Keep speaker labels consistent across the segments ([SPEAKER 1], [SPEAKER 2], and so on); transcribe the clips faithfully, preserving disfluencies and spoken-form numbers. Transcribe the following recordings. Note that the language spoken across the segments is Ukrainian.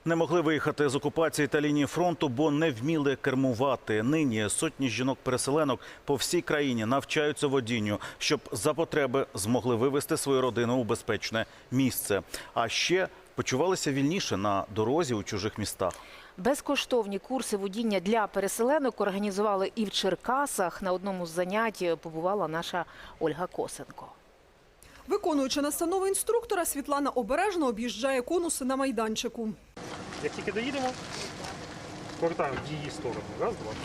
[SPEAKER 1] Не могли виїхати з окупації та лінії фронту, бо не вміли кермувати. Нині сотні жінок-переселенок по всій країні навчаються водінню, щоб за потреби змогли вивезти свою родину у безпечне місце. А ще почувалися вільніше на дорозі у чужих містах.
[SPEAKER 2] Безкоштовні курси водіння для переселенок організували і в Черкасах. На одному з занять побувала наша Ольга Косенко.
[SPEAKER 3] Виконуючи настанови інструктора, Світлана обережно об'їжджає конуси на майданчику.
[SPEAKER 4] Як тільки доїдемо, повертаємо в її сторону. Раз, два.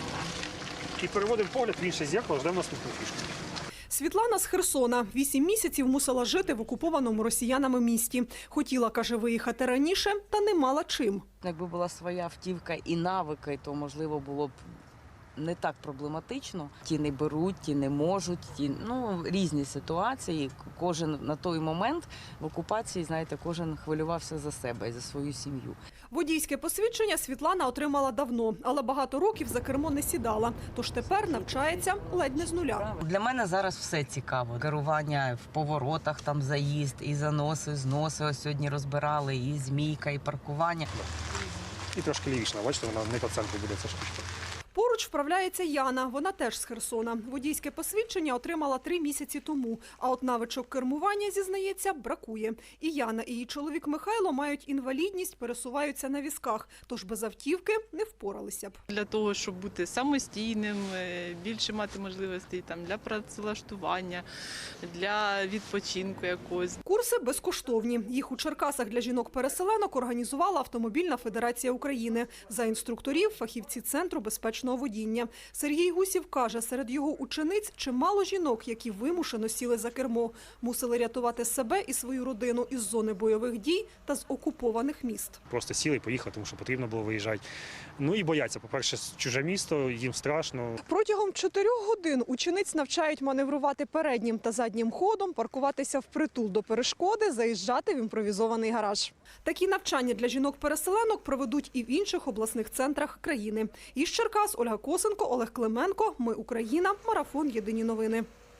[SPEAKER 4] І переводимо погляд в інше зеркало, ждемо наступну фішку.
[SPEAKER 3] Світлана з Херсона. Вісім місяців мусила жити в окупованому росіянами місті. Хотіла, каже, виїхати раніше, та не мала чим.
[SPEAKER 5] Якби була своя автівка і навики, то, можливо, було б не так проблематично. Ті не беруть, ті не можуть, ті, ну, різні ситуації. Кожен на той момент в окупації, знаєте, кожен хвилювався за себе і за свою сім'ю.
[SPEAKER 3] Водійське посвідчення Світлана отримала давно, але багато років за кермо не сідала. Тож тепер навчається ледь не з нуля.
[SPEAKER 5] Для мене зараз все цікаво. Керування в поворотах, там заїзд, і заноси, зноси. Ось сьогодні розбирали, і змійка, і паркування.
[SPEAKER 4] І трошки лівіше, бачите, вона не по центру буде ця штучка.
[SPEAKER 3] Поруч вправляється Яна, вона теж з Херсона. Водійське посвідчення отримала три місяці тому, а от навичок кермування, зізнається, бракує. І Яна, і її чоловік Михайло мають інвалідність, пересуваються на візках, тож без автівки не впоралися б.
[SPEAKER 6] Для того, щоб бути самостійним, більше мати можливостей там, для працевлаштування, для відпочинку якогось.
[SPEAKER 3] Курси безкоштовні. Їх у Черкасах для жінок-переселенок організувала Автомобільна федерація України. За інструкторів – фахівці Центру безпечного водіння. Сергій Гусів каже, серед його учениць чимало жінок, які вимушено сіли за кермо. Мусили рятувати себе і свою родину із зони бойових дій та з окупованих міст.
[SPEAKER 4] Просто сіли і поїхали, тому що потрібно було виїжджати. Ну і бояться. По-перше, чуже місто, їм страшно.
[SPEAKER 3] Протягом чотирьох годин учениць навчають маневрувати переднім та заднім ходом, паркуватися впритул до перешкоди, заїжджати в імпровізований гараж. Такі навчання для жінок-переселенок проведуть і в інших обласних центрах країни. Із Черкас Ольга Косенко, Олег Клименко. Ми Україна. Марафон. Єдині новини.